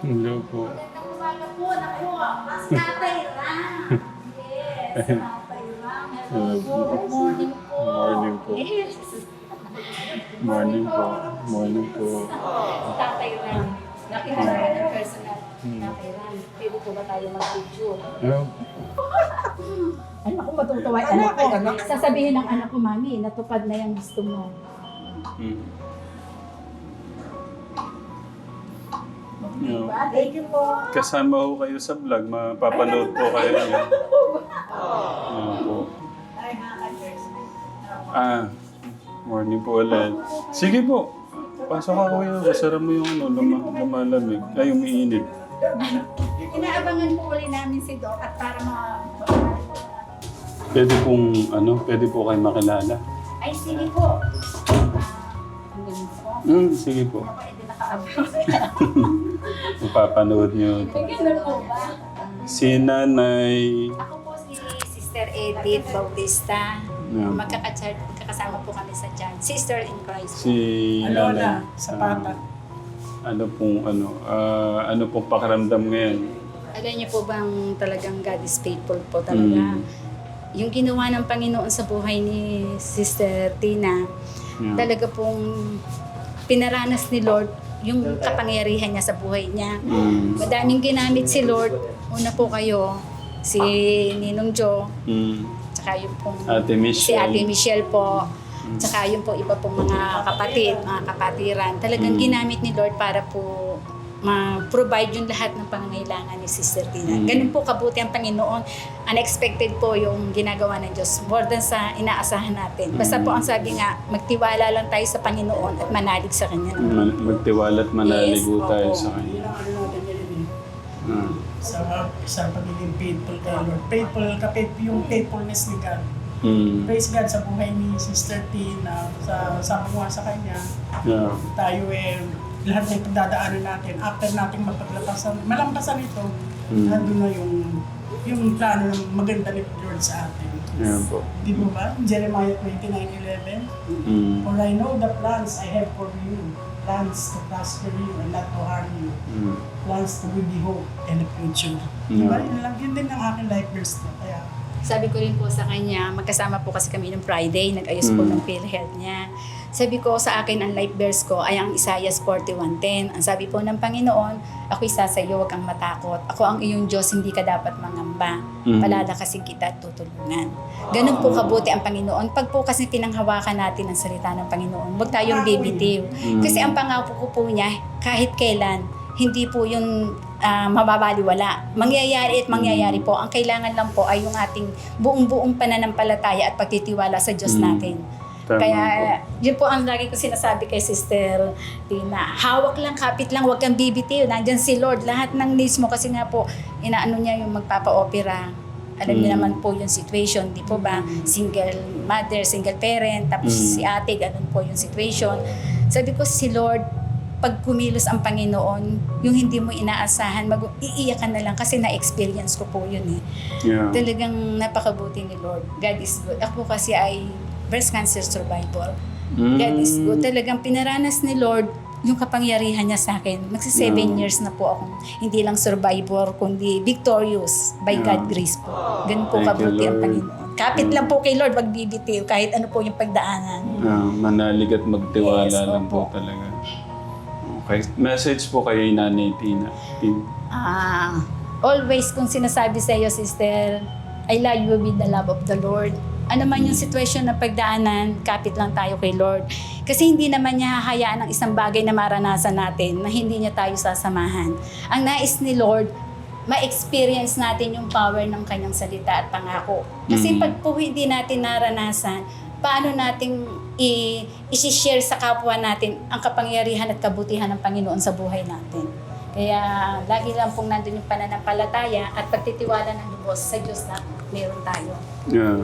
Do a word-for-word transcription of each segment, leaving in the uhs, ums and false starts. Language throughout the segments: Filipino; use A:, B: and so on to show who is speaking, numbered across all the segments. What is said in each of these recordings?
A: Hello po.
B: Magandang umaga po. Naku, mas Tatay Ram. Yes, Tatay Ram. Hello po. Good morning po.
A: Morning po.
B: Yes.
A: Morning po. Morning po.
B: Tatay Ram. Nakilala ko ng personal. Tatay Ram. Pwede po ba tayo mag-picture?
A: Hello.
B: Ay, ako matutuwa. Anak ko. Sasabihin ng anak ko, Mami, natupad na yung gusto mo.
A: Hmm.
B: Diba? Thank you po.
A: Kasama ko kayo sa vlog. Mapapanood po kayo yan. Ano po.
B: Ay, nakaka-cheers.
A: Ah, morning po ulit. Sige po. Pasok ako yun. Kasara mo yung ano, luma, lumalamig. Ay, umiinit.
B: Inaabangan po ulit namin si Doc at para ma...
A: Pwede pong, ano, pwede po kayo makilala.
B: Ay, sige po. Ang ganun po.
A: Hmm, sige po.
B: Ako, edi nakaabang.
A: Mapapanood nyo.
B: Ang ganun po ba?
A: Si Nanay.
B: Ako po si Sister Edith Bautista.
A: Yeah.
B: Magkakachar, magkakasama po kami sa John. Sister in Christ.
A: Si
C: Alona,
A: Nanay.
C: Zapata.
A: Ah, ano pong, ano, ah, ano pong pakiramdam ngayon?
B: Alam niyo po bang talagang God is faithful po talaga.
A: Mm.
B: Yung ginawa ng Panginoon sa buhay ni Sister Tina,
A: Yeah.
B: talaga pong pinaranas ni Lord yung kapangyarihan niya sa buhay niya.
A: Mm.
B: Madaming ginamit si Lord. Una po kayo, si Ninong Jo,
A: Mm.
B: tsaka yung pong
A: Ate
B: si
A: Michelle.
B: Ate Michelle po, tsaka yung po iba pong mga kapatid, mga kapatiran. Talagang
A: Mm.
B: ginamit ni Lord para po ma-provide yung lahat ng pangangailangan ni Sister Tina.
A: Mm.
B: Ganun po kabuti ang Panginoon. Unexpected po yung ginagawa ng Diyos. More than sa inaasahan natin. Basta po ang sabi nga, magtiwala lang tayo sa Panginoon at manalig sa Kanya.
A: Man, magtiwala at manaligo
B: Yes,
A: tayo
B: opo.
A: sa Kanya.
C: Yun ang ano natin yun eh.
A: Ah.
C: Sa, sa pagiging faithful kay Lord. Faithful, kapit yung faithfulness ni God.
A: Mm.
C: Praise God sa buhay ni Sister Tina, sa sama mo sa kanya.
A: Yeah.
C: Tayo eh, lahat ng pagdadaanan natin, after nating mapaglapasan, malampasan ito,
A: Mm.
C: nandun na yung yung plano ng maganda ni Lord sa atin.
A: Yeah po.
C: Di ba ba? Jeremiah twenty-nine eleven.
A: Mm.
C: For I know the plans I have for you, plans to prosper you and not to harm you.
A: Mm.
C: Plans to give you hope and a future.
A: Yeah.
C: Diba? Yun lang, yun din ang aking life verse na. Kaya,
B: Sabi ko rin po sa kanya, magkasama po kasi kami nung Friday, nag-ayos po
A: Mm.
B: ng PhilHealth niya. Sabi ko sa akin, ang life verse ko ay ang Isaiah forty-one ten. Ang sabi po ng Panginoon, ako'y sasayo, huwag kang matakot. Ako ang iyong Diyos, hindi ka dapat mangamba.
A: Mm.
B: Palalakasin kita at tutulungan. Ganun po kabuti ang Panginoon. Pag po kasi pinanghawakan natin ang salita ng Panginoon, huwag tayong bibitiw.
A: Mm.
B: Kasi ang pangako ko po niya, kahit kailan, hindi po yun ah, mababaliwala. Mangyayari at mangyayari po. Ang kailangan lang po ay yung ating buong-buong pananampalataya at pagtitiwala sa Diyos
A: Mm.
B: natin.
A: Tama
B: Kaya
A: po.
B: yun po ang lagi ko sinasabi kay Sister Tina. Hawak lang, kapit lang, huwag kang bibitiw. Nandyan si Lord. Lahat ng needs mo kasi nga po, inaano niya yung magpapa-opera. Alam niyo
A: Mm.
B: naman po yung situation, di po ba? Single mother, single parent, tapos
A: Mm.
B: si ate, ganun po yung situation. Sabi ko, si Lord, pag kumilos ang Panginoon, yung hindi mo inaasahan, mag iiyakan na lang kasi na-experience ko po yun eh.
A: Yeah.
B: Talagang napakabuti ni Lord. God is good. Ako kasi ay breast cancer survivor.
A: Mm.
B: God is good. Talagang pinaranas ni Lord yung kapangyarihan niya sa akin. Magsi seven
A: Yeah.
B: years na po akong hindi lang survivor, kundi victorious by
A: Yeah.
B: God grace po. Ganun po
A: Thank you,
B: kabuti ang
A: Lord.
B: Panginoon. Kapit lang po kay Lord, wag bibitiw kahit ano po yung pagdaanan.
A: Ah, manalig at magtiwala
B: Yes,
A: lang po
B: opo.
A: talaga. Okay. Message po kay Nanay Tina. Tin.
B: Ah, always kung sinasabi sa iyo, sister, I love you with the love of the Lord. Ano man yung sitwasyon na pagdaanan, kapit lang tayo kay Lord. Kasi hindi naman niya hahayaan ang isang bagay na maranasan natin na hindi niya tayo sasamahan. Ang nais ni Lord, ma-experience natin yung power ng kanyang salita at pangako. Kasi
A: Mm.
B: pag po hindi natin naranasan, paano nating i- i-share sa kapwa natin ang kapangyarihan at kabutihan ng Panginoon sa buhay natin. Kaya lagi lang pong nandun yung pananampalataya at pagtitiwala ng lubos sa Diyos na meron tayo.
A: Yeah.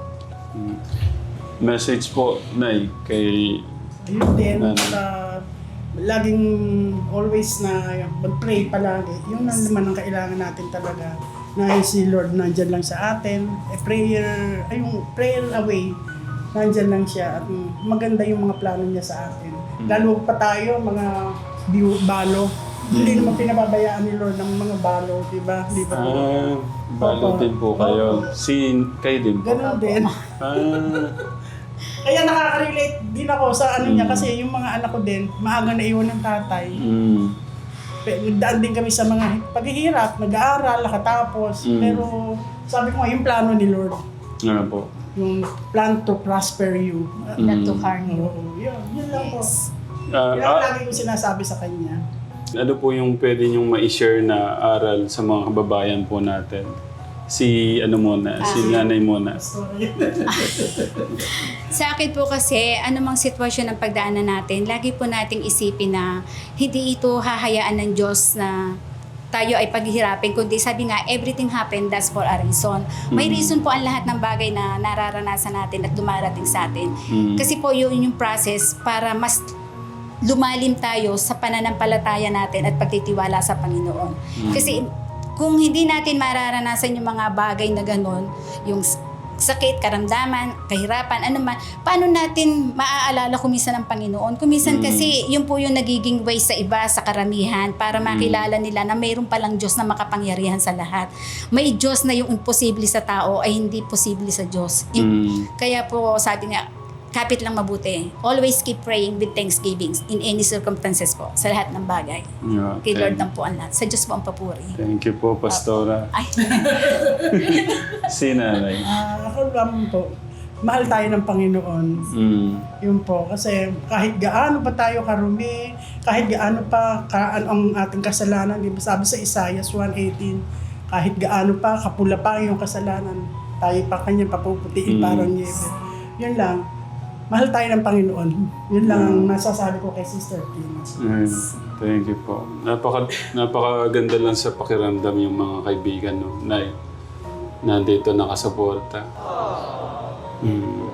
A: Mm. Message po, Nay, kay...
C: yun din,
A: Ano?
C: uh, laging always na mag-pray palagi. Yun ang naman ang kailangan natin talaga. Na si Lord nandyan lang sa atin. A prayer, ay yung prayer away, nandyan lang siya. At maganda yung mga plano niya sa atin. Lalo pa tayo, mga biu- balo, Hindi naman pinababayaan ni Lord ng mga balo, di ba? Di ba?
A: Ah, balo din po kayo. Si, kayo din po.
C: Ganun din.
A: Ah,
C: Kaya nakaka-relate din ako sa ano niya
A: Mm.
C: kasi yung mga anak ko din, maaga na iwan ng tatay.
A: mm,
C: Pe- Daan din kami sa mga paghihirap, nag-aaral, nakatapos.
A: Mm.
C: Pero sabi ko nga, yung plano ni Lord,
A: ano po.
C: yung plan to prosper you.
B: Not to
A: Mm.
B: harm you.
C: Oo, yun, yun lang po.
A: Ah,
C: Yun ang
A: ah,
C: lagi kong sinasabi sa kanya.
A: ano po yung pwede niyong ma-share na aral sa mga kababayan po natin? Si ano muna, si nanay muna.
C: Story.
B: Sa akin po kasi, anumang sitwasyon ng pagdaanan natin, lagi po nating isipin na hindi ito hahayaan ng Diyos na tayo ay paghihirapin, kundi sabi nga, everything happened, that's for a reason. May
A: Mm.
B: reason po ang lahat ng bagay na nararanasan natin at dumarating sa atin.
A: Mm.
B: Kasi po yun yung process para mas lumalim tayo sa pananampalataya natin at pagtitiwala sa Panginoon.
A: Mm.
B: Kasi kung hindi natin mararanasan yung mga bagay na ganun, yung s- sakit, karamdaman, kahirapan, ano man, paano natin maaalala kumisan ng Panginoon? Kumisan
A: Mm.
B: kasi yun po yung nagiging way sa iba, sa karamihan, para makilala nila na mayroon palang Diyos na makapangyarihan sa lahat. May Diyos na yung imposible sa tao ay hindi posible sa Diyos. Im-
A: Mm.
B: Kaya po sabi nga, kapit lang mabuti. Always keep praying with thanksgiving in any circumstances po, sa lahat ng bagay.
A: Yeah,
B: Kay Lord
A: thank,
B: lang po ang lahat. Sa Diyos po ang papuri.
A: thank you po, Pastora.
B: Ay,
A: Si nanay.
C: Ah, ako lang po, mahal tayo ng Panginoon.
A: Mm.
C: Yun po, kasi kahit gaano pa tayo karumi, kahit gaano pa ka, ang ating kasalanan, di ba sabi sa Isaiah one eighteen, kahit gaano pa kapula pa yung kasalanan, tayo pa kanya papuputiin
A: Mm.
C: parang niebe. Yun lang, mahal tayo ng Panginoon. Yun lang ang nasasabi ko kay Sister Tina.
A: Ayun. Thank you po. Napaka, napakaganda lang sa pakiramdam yung mga kaibigan, no? Nay, nandito nakasuporta. Mm.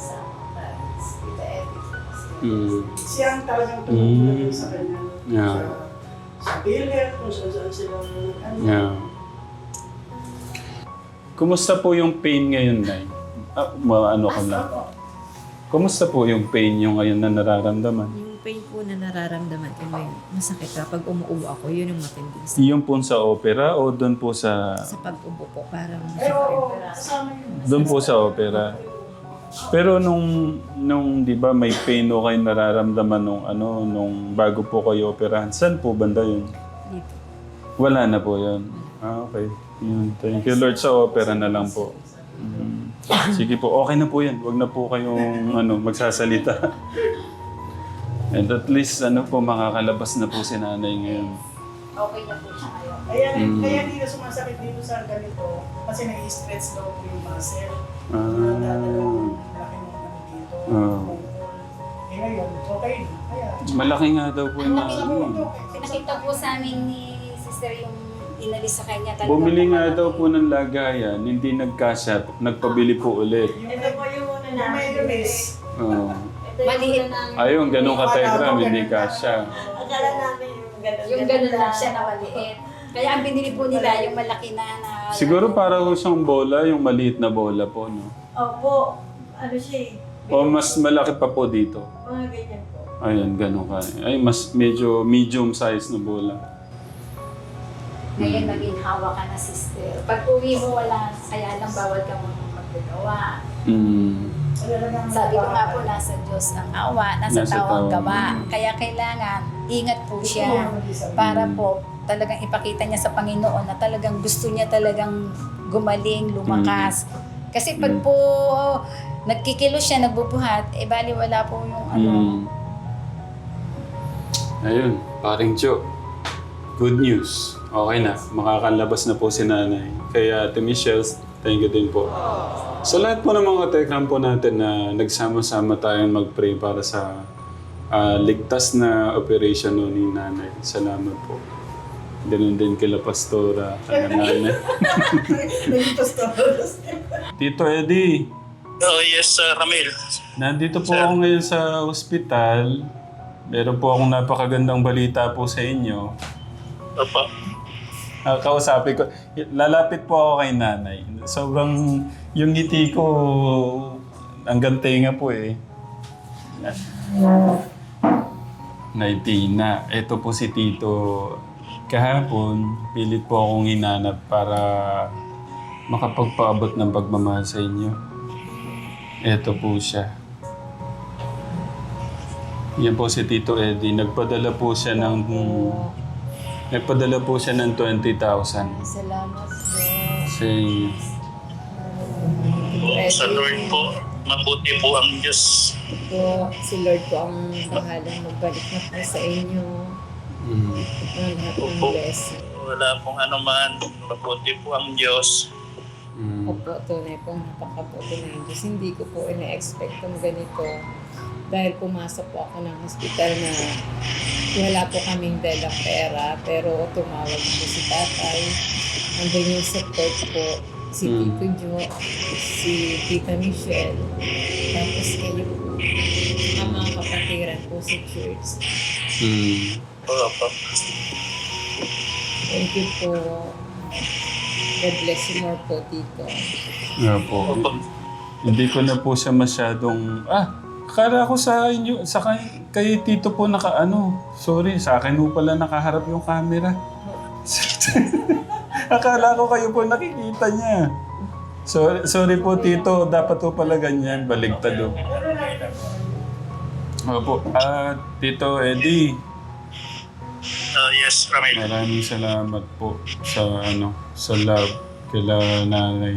A: Mm.
C: Siya ang talagang
A: Mm.
C: tumutulong sa kanya.
A: Yeah.
C: Sa, sa PhilHealth, kung saan saan sila. Ano,
A: Yeah. Kumusta po yung pain ngayon, Nay? Ah, ma- ano ko lang. Kumusta po yung pain nyo ngayon na nararamdaman?
D: Yung pain po na nararamdaman ko ngayon, masakit kapag umuubo ako, yun yung matinding sa,
A: Yung po sa opera o doon po sa...
D: sa pag-ubo po. Parang
C: Pero kasama yun.
A: Doon po sa opera. Pero nung, nung di ba may pain o kayo nararamdaman nung ano, nung bago po kayo operahan, saan po banda yun?
D: dito.
A: Wala na po yun. Ah, okay. Yun. Thank you Lord, sa opera na lang po. Mm. Sige po, okay na po yan. Huwag na po kayong ano, magsasalita. And at least ano po, makakalabas na po si nanay ngayon.
B: okay na po siya ngayon.
C: Kaya,
A: Mm.
C: kaya dito sumasakit dito sa ganito kasi nai-stretch daw po yung muscle.
A: Ah.
C: Nadadalawang laki ng ano dito.
A: Ah.
C: Eh ngayon, okay na. Kaya,
A: Malaki nga daw po yung
B: Nakita
A: ano.
B: po, pinakita po sa amin ni Sister yung inalis sa kanya. Talagang
A: Bumili nga
B: malaki.
A: daw po ng lagayan, hindi nagkasya, nagpabili po ulit.
E: Ito po yung una
C: yung
E: namin.
C: mayonnaise.
A: Oh.
E: Ito yung
B: Maliit.
E: una namin.
A: Ayun, ganun ka-telegram, hindi kasya.
E: Akala namin yung ganun.
B: Yung ganun lang siya na maliit. Kaya ang binili po nila yung malaki na na...
A: Siguro para ho siyang bola, yung maliit na bola po, no?
E: Opo. Ano siya eh.
A: O mas malaki pa po dito.
E: Mga ganyan po.
A: Ayun, ganun ka. Ay, mas medyo medium size na bola.
B: Ngayon maging hawa ka na, sister. Pag uwi mo, wala. Kaya lang bawal ka muna magagawa.
A: Mm.
B: Sabi ko nga po, nasa Diyos ang awa, nasa,
A: Nasa
B: tao ang
A: tao.
B: gawa. Kaya kailangan, ingat po siya. Para po, talagang ipakita niya sa Panginoon na talagang gusto niya talagang gumaling, lumakas. Kasi pag
A: Mm.
B: po nagkikilos siya, nagbubuhat, eh bali wala po yung ano.
A: Mm. Ayun, paring Joe. Good news. Okay na, makakalabas na po si nanay. Kaya Ate Michelle, thank you din po. Sa lahat po ng mga tekram po natin na nagsama-sama tayong mag-pray para sa ah, ligtas na operation no ni nanay. Salamat po. Ganun din kila Pastora, kaya nanay. Tito Eddie,
F: Oh, yes, uh, Ramil.
A: nandito po ako ngayon sa ospital. Meron po akong napakagandang balita po sa inyo.
F: Opo.
A: Ah, kausapin ko. Lalapit po ako kay nanay. Sobrang yung ngiti ko hanggang tenga po eh. Nay Tina. Ito po si Tito. Kahapon, pilit po akong hinanap para makapagpaabot ng pagmamahal sa inyo. Ito po siya. Yan po si Tito Eddie. Nagpadala po siya ng... Nagpadala po siya ng twenty thousand.
D: Salamat po.
A: Sa inyo.
F: Sa Lord po, mabuti po ang Diyos.
D: Po, si Lord po ang bahalang magbalik na po sa inyo.
A: Mm.
D: Ang lahat ng
F: Opo.
D: blessing.
F: Wala pong anuman, mabuti po ang Diyos.
A: Mm.
D: Opo, tunay pong napakabuti ng Diyos. Hindi ko po ina-expect kung ganito. Dahil pumasok po ako ng hospital na wala po kaming dalang pera, pero tumawag po si tatay. Andun yung support po, si
A: Mm.
D: Tito Jo, si Tita Michelle, tapos kayo po, ang mga kapatiran po sa church.
A: Mm.
F: Opo.
D: Thank you po. God bless you more po, Tito.
A: Nga po. Hindi ko na po siya masyadong... Ah! Akala ko sa inyo, sa kay, kay Tito po naka ano. Sorry, sa akin po pala nakaharap yung camera. Akala ko kayo po nakikita niya. Sorry, sorry po Tito, dapat po pala ganyan, baligtad o. Opo, ah, Tito Eddie,
F: Uh, yes, Ramil.
A: maraming salamat po sa ano, sa love kila nanay.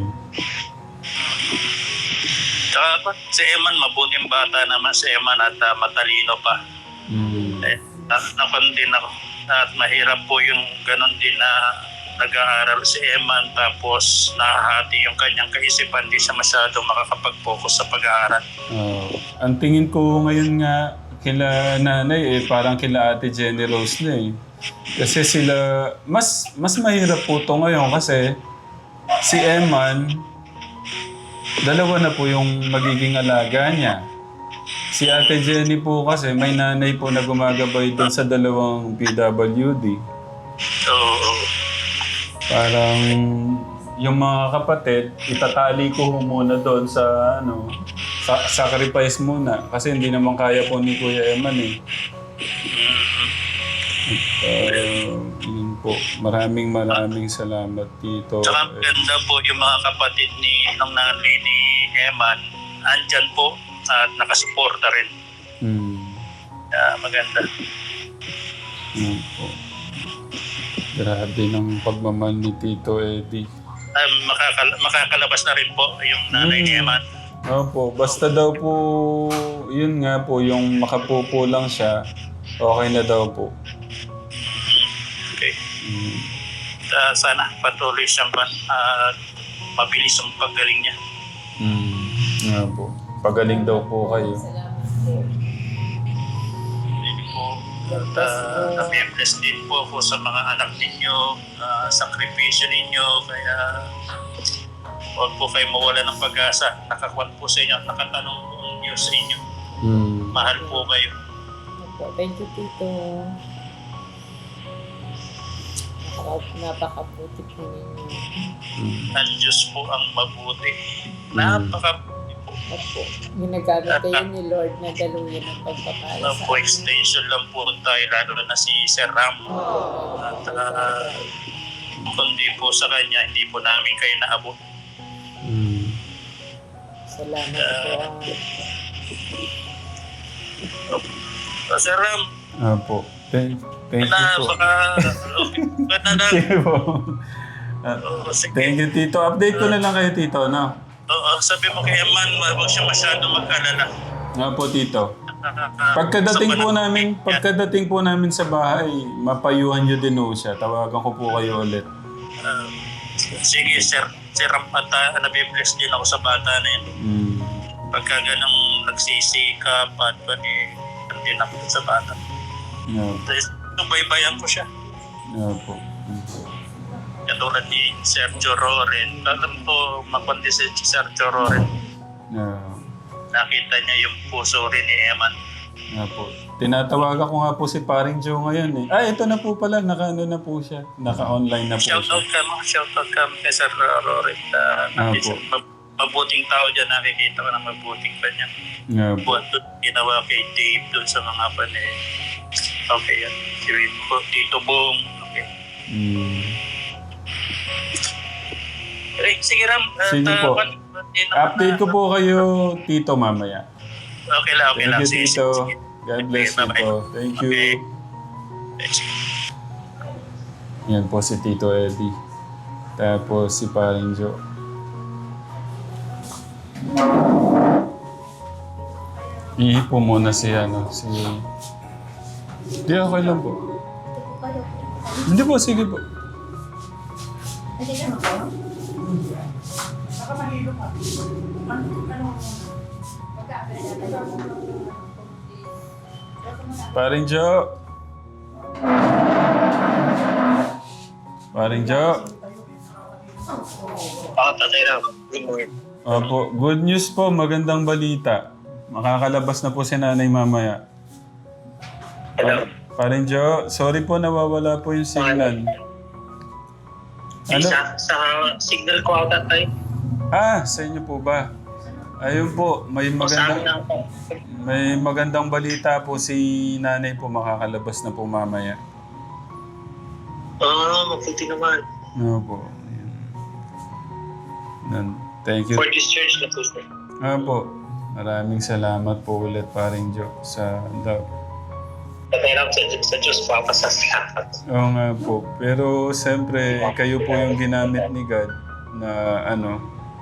F: Tsaka si Eman, mabuting bata naman si Eman at uh, matalino pa.
A: Mm.
F: Eh, na- nakon din ako. At mahirap po yung ganon din na nag-aaral si Eman tapos nahahati yung kanyang kaisipan, di siya masyado makakapag-focus sa pag-aaral.
A: Oh, ang tingin ko ngayon nga kila nanay eh parang kila Ate Jenny Rose na eh. Kasi sila mas mas mahirap po to ngayon kasi si Eman dalawa na po yung magiging alaga niya. Si Ate Jenny po kasi may nanay po na gumagabay doon sa dalawang P W D.
F: So,
A: Parang yung mga kapatid, itatali ko muna doon sa ano, sa sacrifice muna kasi hindi naman kaya po ni Kuya Eman eh. At, uh, yun po. Maraming maraming salamat dito.
F: tsaka ganda po yung mga kapatid ni ng nanay ni Eman. Andyan po at nakasuporta rin.
A: Hmm.
F: Kaya maganda.
A: Yun po. Grabe ng pagmamahal ni Tito Eddie.
F: Um, makakal- makakalabas na rin po yung nanay ni Eman.
A: Opo, basta daw po, yun nga po, yung makapupo lang siya, okay na daw po.
F: Okay.
A: Mm.
F: Uh, sana patuloy siyang uh, mabilis ang paggaling niya.
A: Mm. Nga po. Pagaling daw po kayo.
D: Salamat po.
F: Hindi po. At uh, nabi-bless din po ako sa mga anak ninyo, uh, sakripisyo ninyo, kaya huwag po kayo mawala ng pag-asa. Nakakuan po sa inyo at nakatanong po ang Diyos sa inyo.
A: Mm.
F: Mahal po kayo.
D: Opo, thank you, Tito. Napaka- Napakabuti po ninyo.
A: Mm.
F: Ang Diyos po ang mabuti. Napakabuti po.
D: Opo, ginagamit kayo ni Lord na daluyan ng pagpapala
F: Uh,
D: sa
F: po extension lang po tayo, lalo na si Sir Ram. At uh, kundi po sa kanya, hindi po namin kayo naabot.
A: Mm.
D: Salamat po.
F: Uh, Sir Ram,
A: Apo. Thank, thank you
F: na
A: po.
F: baka, okay, baka na,
A: Sige po. Ah,
F: oh, sige.
A: thank you, Tito. Update ko na lang kayo, Tito, no?
F: Oo, sabi mo kay Eman, huwag siya masyado mag-alala.
A: Nga po, Tito.
F: Uh,
A: Pagkadating
F: sa
A: po
F: panahon-
A: namin, pagkadating po namin sa bahay, mapayuhan nyo din po siya. Tawagan ko po kayo ulit.
F: Uh, sige, Sir. Sir Ram, at uh, nabibless din ako sa bata na yun.
A: Mm.
F: Pagka ganang nagsisikap at pati din ako sa bata.
A: Nga po.
F: Tapos, subaybayan ko siya.
A: Nga po. Mm.
F: Katulad ni Sergio Roren. Alam ko, makundi si Sergio Roren.
A: Nga.
F: Nakita niya yung puso rin ni Eman.
A: Nga po. Tinatawagan ko nga po si Paring Joe ngayon eh. Ah, ito na po pala. Naka-ano na po siya. Naka-online na po siya.
F: Shoutout ka mo, shoutout ka mo kay Sir Roren. Uh,
A: Ah, po.
F: mabuting tao dyan, nakikita ko na mabuting pa niya.
A: Nga po.
F: Buwan doon, ginawa kay Dave doon sa mga pan eh. Okay, yan. Si Tito Bong. Okay.
A: Mm.
F: Eh, sige Ram. At,
A: Sige
F: ah,
A: po.
F: pan- pan-
A: Update ko po kayo, Tito, mamaya.
F: Okay lang, okay
A: Thank
F: lang.
A: you,
F: Sige,
A: Tito.
F: sige, sige.
A: God bless
F: Okay,
A: you
F: bye-bye.
A: po. Thank you.
F: Okay. Thanks.
A: Yan po si Tito Eddie. Tapos si Paring Jo. Ihipo muna si ano, si... Hindi, okay lang po. Hindi po, sige po.
C: Baka mahilo ka. Man, ano,
A: Paring Jo. Paring Jo.
F: Ah, tatay Ram. Good morning.
A: Opo, good news po, magandang balita. Makakalabas na po si nanay mamaya.
F: Hello.
A: Paring Jo, sorry po nawawala po yung signal. Ano?
F: Sa, sa signal ko ata tayo.
A: Ah, sa inyo po ba? Ayun po, may magandang may magandang balita po si nanay po makakalabas na po mamaya.
F: Ah, mabuti naman.
A: No po. Ayun. Nan, thank you.
F: For this church na po sir.
A: Ah po. Maraming salamat po ulit Paring Jo sa daw.
F: Tatay Ram, sa, sa Diyos papasasalamat.
A: Oo nga po. Pero siyempre, kayo po yung ginamit ni God na ano.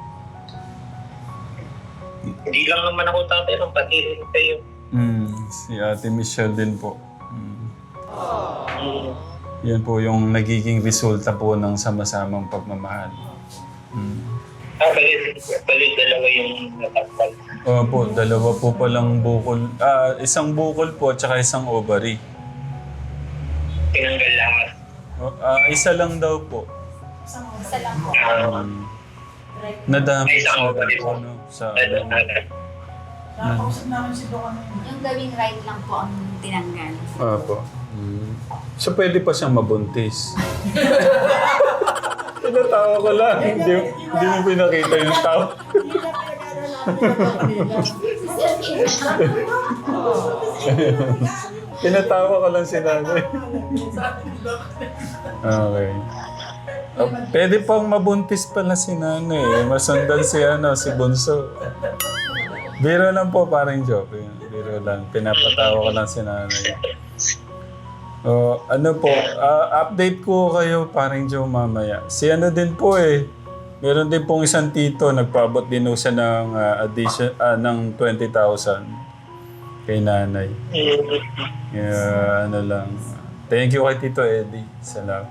F: Hindi lang naman ako tatay Ram, pati rin kayo.
A: Mm, si Ate Michelle din po. Mm.
F: Mm.
A: Yan po yung nagiging resulta po ng sama-samang pagmamahal. Mm.
F: Ah, bali, bali dalawa yung natapal.
A: Opo, dalawa po palang bukol. Ah, isang bukol po at saka isang ovary.
F: Tinanggal lahat.
A: O, ah, isa lang daw po.
B: Isa lang po.
F: Ah,
A: Um, nadami
F: Ay, isang
A: sa,
F: ovary po.
A: ano, sa
F: ano,
A: ano.
F: ano.
C: nakausap namin si Doc ano yun.
B: Yung gawing right lang po ang tinanggal.
A: Opo. Mm. So pwede pa siyang mabuntis. Tinatawa ko lang. Hindi, hindi mo pinakita yung tao.
C: Hindi na pinag-ano namin ng kanila.
A: Tinatawa ko lang si nanay. Okay. Uh, pwede pang mabuntis pala si nanay. Masundan si ano, si Bunso. Biro lang po, parang joke. Yun. Biro lang. Pinapatawa ko lang si nanay. Oh, ano po, ah, update ko kayo parang Joe mamaya. Si ano din po eh. Meron din pong isang tito, nagpaabot din po siya ng ah, addition ah, ng twenty thousand kay nanay. Yeah, ano lang. Thank you kay Tito Eddie. Salamat.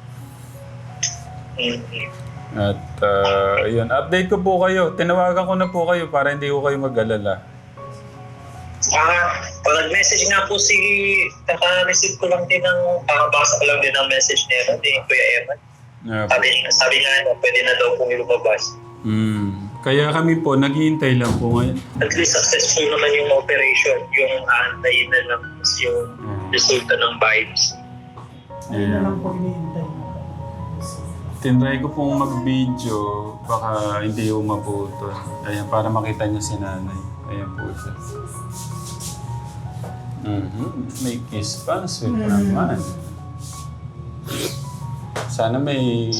A: At uh, yun, update ko po kayo. Tinawagan ko na po kayo para hindi ko kayo mag-alala.
F: Ah, pag nag-message nga po si, naka-receive ko lang din ng, nakabasa ko lang din ng message niya, ni Kuya Evan.
A: Yeah, po.
F: Sabi, sabi nga, ano, pwede na daw pong lumabas.
A: Mm. Kaya kami po, naghihintay lang po ngayon.
F: At least successful naman yung operation, yung aantayin na lang yung resulta ng vibes.
C: Ayun na lang po iniintay.
A: Tinry ko pong mag-video, baka hindi yung maputol. Ayan, para makita niyo si nanay. Ayan po siya. Mm-hmm. May kiss pa, sweet naman. Sana may...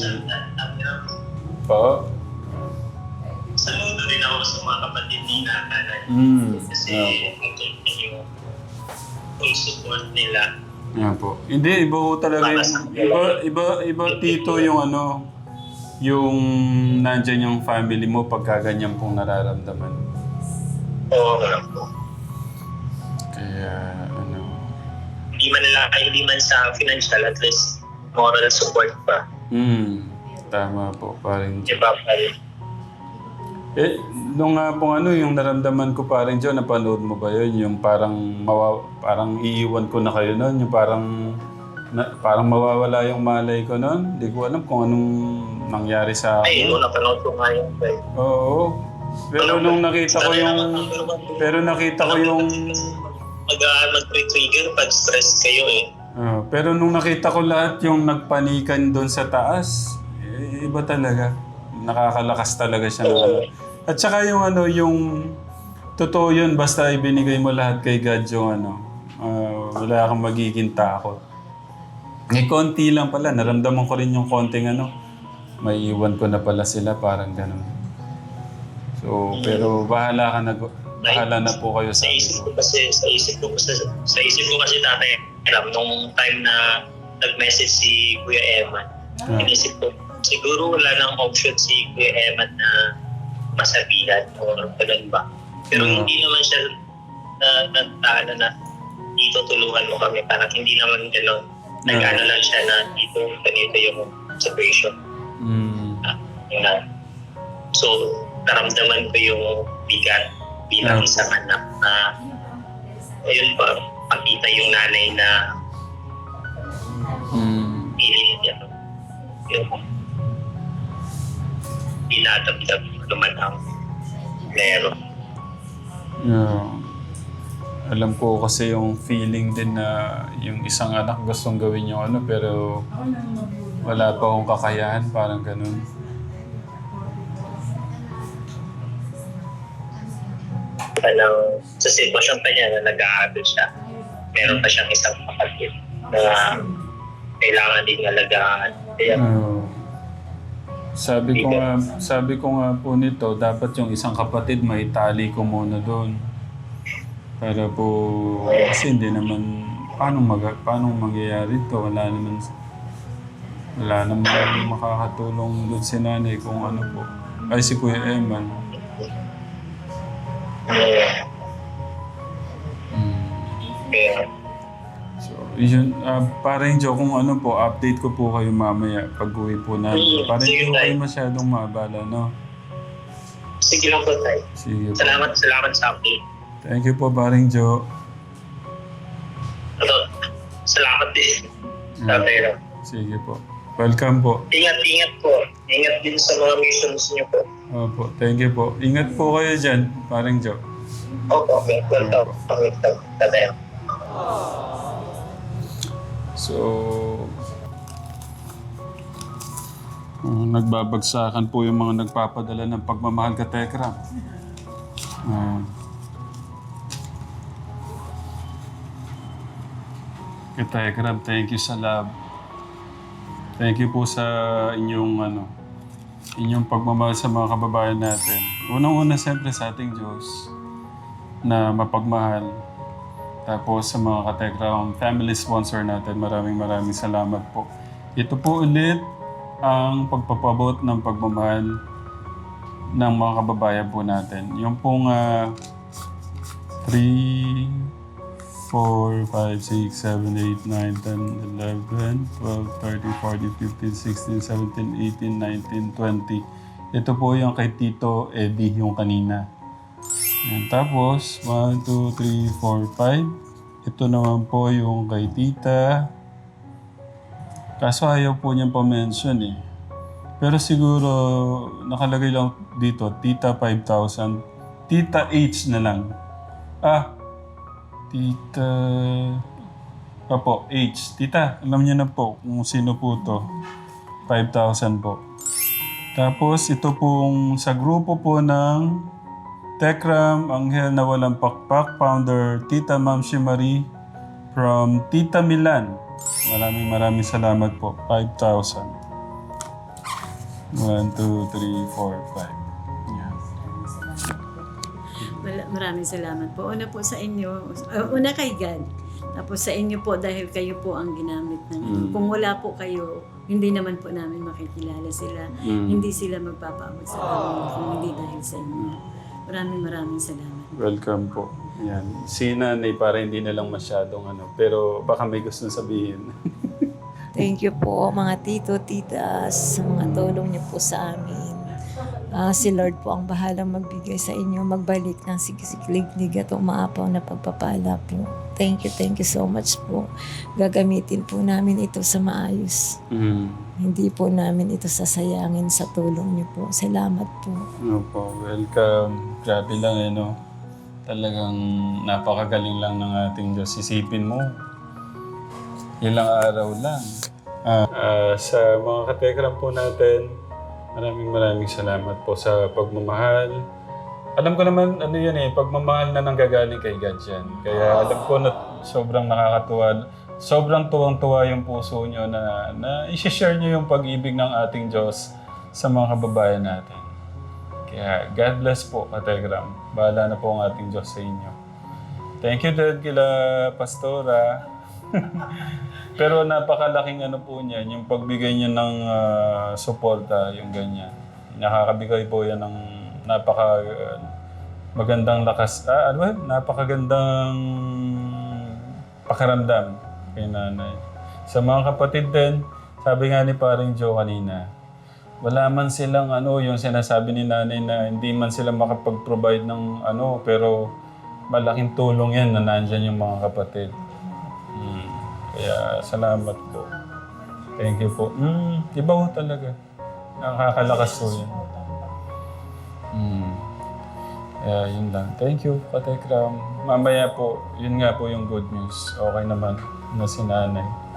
A: Po?
F: Saludo din ako sa mga kapatid ni nanay.
A: Mm.
F: Kasi
A: Ayan po.
F: ito yung full support nila.
A: Ayan po. Hindi, iba po talaga yung... Iba, iba, iba tito yung ano... Yung nandyan yung family mo pagka ganyan pong nararamdaman.
F: Oo nga po.
A: Kaya ano...
F: Hindi man lang, ay hindi man sa financial, at least moral support pa.
A: Mm. Tama po, parang...
F: Di ba, pare?
A: Eh, nung nga pong ano, yung naramdaman ko parang John, napanood mo ba yun? Yung parang, mawa, parang iiwan ko na kayo nun, yung parang, na, parang mawawala yung malay ko nun. Hindi ko alam kung anong nangyari sa
F: Ay,
A: akin.
F: no, napanood ko nga yung eh.
A: Oo. Pero nung nakita ko yung, pero nakita ko yung,
F: Mag, uh, mag-trigger pag stress kayo eh.
A: ah, pero nung nakita ko lahat yung nagpanikan doon sa taas, eh, iba talaga. Nakakalakas talaga siya. ng ano. At saka yung ano, yung totoo yun, basta ibinigay mo lahat kay God yung ano, ah, wala kang magiging takot. May konti lang pala. Naramdaman ko rin yung konting ano. May iwan ko na pala sila, parang gano'n. So, pero bahala ka na, bahala na po kayo
F: Sa
A: sa
F: isip ko kasi, sa isip ko kasi, sa isip ko kasi tatay, alam, nung time na nag-message si Kuya Eman,
A: Ah.
F: inisip ko, siguro wala nang option si Kuya Eman na masabihan o ganun ba. Pero
A: Ah.
F: hindi naman siya na, na, na, na, na dito tulungan mo kami. Parang hindi naman gano'n. Nag-ano lang siya na dito, ganito yung situation.
A: Mm.
F: Yun na. So, naramdaman ko yung bigat bilang
A: Ah.
F: isang anak na ayun ba, pakita yung nanay na
A: Mm.
F: pilit niya. Yung dinadamdam naman ang meron.
A: Yeah. Alam ko kasi yung feeling din na yung isang anak gustong gawin yung ano pero wala pa akong kakayahan, parang ganun.
F: Parang sa sitwasyon pa niya na nag-aaral siya, meron pa siyang isang kapatid na kailangan din alagaan. Kaya
A: Oo. Sabi ko nga, sabi ko nga po nito, dapat yung isang kapatid may tali ko muna doon. Para po, kasi hindi naman, paano, mag, paano mangyayari ito? Wala naman, wala naman makakatulong doon si nanay kung ano po. Ay, si Kuya Eman.
F: kaya
A: So, yun, uh, parang Joe, kung ano po, update ko po kayo mamaya pag uwi po namin.
F: Mm,
A: Parang
F: sige,
A: hindi ko
F: tay.
A: kayo masyadong mabala, no?
F: sige lang po tayo.
A: Sige po.
F: Salamat, salamat sa update.
A: Thank you po, paring Joe.
F: Ito, salamat din.
A: Mm.
F: Tatay lang.
A: Sige po. Welcome po.
F: Ingat-ingat po. Ingat din sa mga missions niyo po.
A: Opo, thank you po. Ingat po kayo dyan, paring Joe.
F: Opo, okay. Welcome. Welcome. Tatay lang.
A: So, uh, nagbabagsakan po yung mga nagpapadala ng pagmamahal ka Tekram. Uh, kay Tekram, thank you sa love. Thank you po sa inyong ano, inyong pagmamahal sa mga kababayan natin. Unang-una siyempre sa ating Diyos na mapagmahal. Tapos sa mga katekram family sponsor natin, maraming maraming salamat po. Ito po ulit ang pagpapabot ng pagmamahal ng mga kababayan po natin. Yung pong uh, three, four, five, six, seven, eight, nine, ten, eleven, twelve, thirteen, fourteen, fifteen, sixteen, seventeen, eighteen, nineteen, twenty. Ito po yung kay Tito Eddie, yung kanina. Yan. Tapos, one, two, three, four, five. Ito naman po yung kay Tita. Kaso ayaw po niyang pa-mention eh. Pero siguro, nakalagay lang dito, Tita five thousand. Tita H na lang. Ah, Tita... Apo, H. Tita, alam niyo na po kung sino po to. five thousand po. Tapos, ito pong sa grupo po ng Tekram, Anghel na Walang Pakpak, founder Tita Ma'am Marie from Tita Milan. Maraming maraming salamat po. five thousand. one, two, three, four, five. Yan.
G: Mal- Maraming salamat po. Una po sa inyo, uh, una kay God. Tapos sa inyo po dahil kayo po ang ginamit ng
A: Mm.
G: Kung wala po kayo, hindi naman po namin makikilala sila.
A: Mm.
G: Hindi sila magpapaabot sa amin kung hindi dahil sa inyo. Maraming maraming salamat.
A: Welcome po. Yan. Si nanay para hindi na lang masyadong ano. Pero baka may gusto sabihin.
D: Thank you po mga tito, titas, sa mga tulong niyo po sa amin. Ah, si Lord po ang bahalang magbigay sa inyo, magbalik ng sigisiglig at umaapaw na pagpapala po. Thank you, thank you so much po. Gagamitin po namin ito sa maayos.
A: Mm.
D: Hindi po namin ito sasayangin sa tulong niyo po. Salamat po.
A: Opo, welcome. Grabe lang eh, no? Talagang napakagaling lang ng ating Diyos. Isipin mo, ilang araw lang. Ah, ah, sa mga katekram po natin, maraming maraming salamat po sa pagmamahal alam ko naman, ano yun eh, pagmamahal na nanggagaling kay God yan. Kaya alam ko na sobrang nakakatuwa. Sobrang tuwang-tuwa yung puso nyo na, na i-share nyo yung pag-ibig ng ating Diyos sa mga kababayan natin. Kaya God bless po, Kategram. Bahala na po ang ating Diyos sa inyo. Thank you, Dad, kila Pastora. Pero napakalaking ano po niyan, yung pagbigay niya ng ah, suporta, yung ganyan. Nakakabigay po yan ng napaka uh, magandang lakas, ah, ano ba? Napakagandang pakiramdam kay nanay. Sa mga kapatid din, sabi nga ni paring Joe kanina, wala man silang ano, yung sinasabi ni nanay na hindi man sila makapag-provide ng ano, pero malaking tulong yan na nandyan yung mga kapatid. Hmm. Kaya salamat po. Thank you po. Hmm, iba ho talaga. Nakakalakas po yan. Hmm. Kaya yun lang. Thank you, Katekram. Mamaya po, yun nga po yung good news. Okay naman na si nanay.